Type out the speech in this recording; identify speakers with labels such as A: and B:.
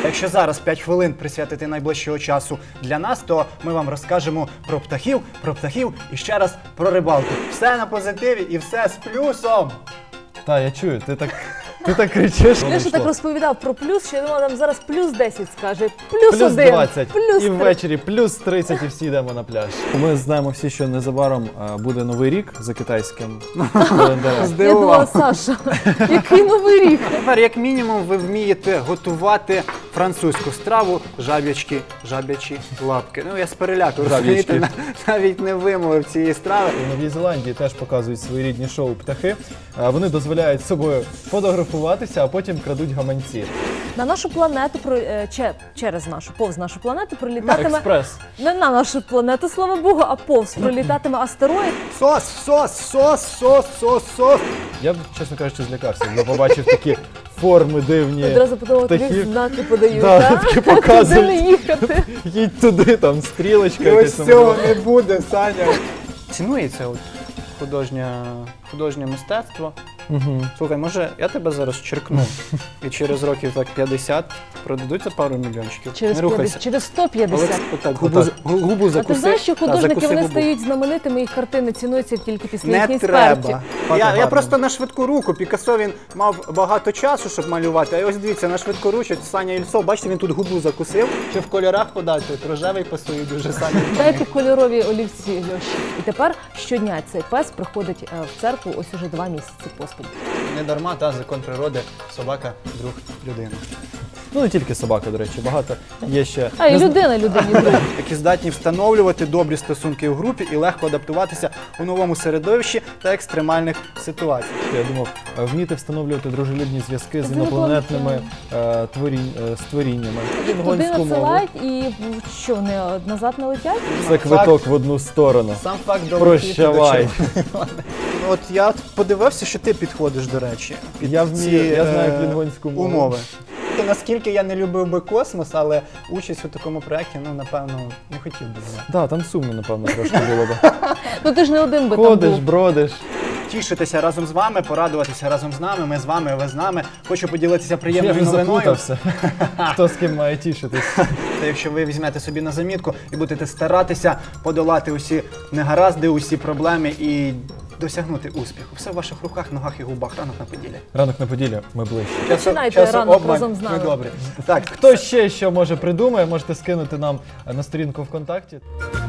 A: Якщо зараз 5 хвилин присвятити найближчого часу для нас, то ми вам розкажемо про птахів і ще раз про рибалку. Все на позитиві і все з плюсом.
B: Та, я чую, ти так кричиш.
C: Леша так розповідав про плюс, що я думала, там зараз плюс 10 скаже, плюс 1,
B: Плюс 20,
C: плюс
B: і
C: 3.
B: ввечері плюс 30, і всі йдемо на пляж. Ми знаємо всі, що незабаром буде Новий рік за китайським календарем.
C: Я думала, Саша, який новий рік?
A: Тепер, як мінімум, ви вмієте готувати французьку страву жаб'ячі лапки. Ну, я з переляку, розумієте, навіть не вимовив цієї страви.
B: У Новій Зеландії теж показують своєрідні шоу птахи. Вони дозволяють з собою фотографуватися, а потім крадуть гаманці.
C: На нашу планету, через нашу, повз нашу планету пролітатиме...
B: Експрес.
C: Не на нашу планету, слава Богу, а повз пролітатиме астероїд.
A: Сос.
B: Я б, чесно кажучи, злякався, коли побачив такі форми дивні.
C: Одразу подумала, тобі
B: птахів.
C: знаки подають,
B: Да,
C: так?
B: такі
C: Куди
B: показують.
C: не їхати?
B: Їдь туди, там стрілочка.
A: І
B: якась
A: ось
B: там
A: цього
B: була.
A: не буде, Саня. Цінується от художнє мистецтво. Слухай, може я тебе зараз черкну і через років так 50 продадуться пару мільйончиків?
C: Через
A: Не рухайся.
C: 50, через 150.
A: Отак, губу
C: А
A: закуси.
C: ти знаєш, що художники,
A: закуси
C: вони
A: губу.
C: стають знаменитими, їх картини цінуються тільки після
A: Не
C: їхньої
A: треба.
C: смерті.
A: Я
B: гарно.
A: просто на швидку руку. Пікассо, він мав багато часу, щоб малювати. А ось дивіться, на швидку руку Саня Ільцов, бачите, він тут губу закусив. Чи в кольорах подати? От рожевий пасує дуже Саня.
C: Дайте кольорові олівці, Льоші. І тепер щодня цей пес приходить в церкву ось уже 2 місяці поспіль.
A: Не дарма, та закон природи, собака – друг людини.
B: Ну, не тільки собака, до речі, багато є ще.
C: А і людина людині друг.
A: Які здатні встановлювати добрі стосунки у групі і легко адаптуватися у новому середовищі та екстремальних ситуаціях.
B: Я думав, вміти встановлювати дружелюбні зв'язки з інопланетними створіннями.
C: Туди надсилають і що, вони назад не летять?
B: Це квиток в одну сторону.
A: Сам факт
B: Прощавай.
A: От я подивився, що ти підходиш, до речі, під
B: Я
A: ці
B: вмію, я знаю клінгонську мову.
A: умови. Наскільки я не любив би космос, але участь у такому проєкті, ну, напевно, не хотів би.
B: Так, там сумно, напевно, трошки було б.
C: Ну ти ж не один би там
B: Ходиш,
C: був.
B: бродиш.
A: Тішитися разом з вами, порадуватися разом з нами, ми з вами, ви з нами. Хочу поділитися
B: Я
A: приємною
B: вже
A: новиною.
B: заплутався. Хто з ким має тішитись?
A: Та якщо ви візьмете собі на замітку і будете старатися подолати усі негаразди, усі проблеми і досягнути успіху. Все в ваших руках, ногах і губах. Ранок на Поділлі.
B: Ранок на Поділлі, ми ближче.
C: Починайте ранок разом з нами.
A: Ми добрі. Так,
B: Хто ще що може придумає, можете скинути нам на сторінку ВКонтакті.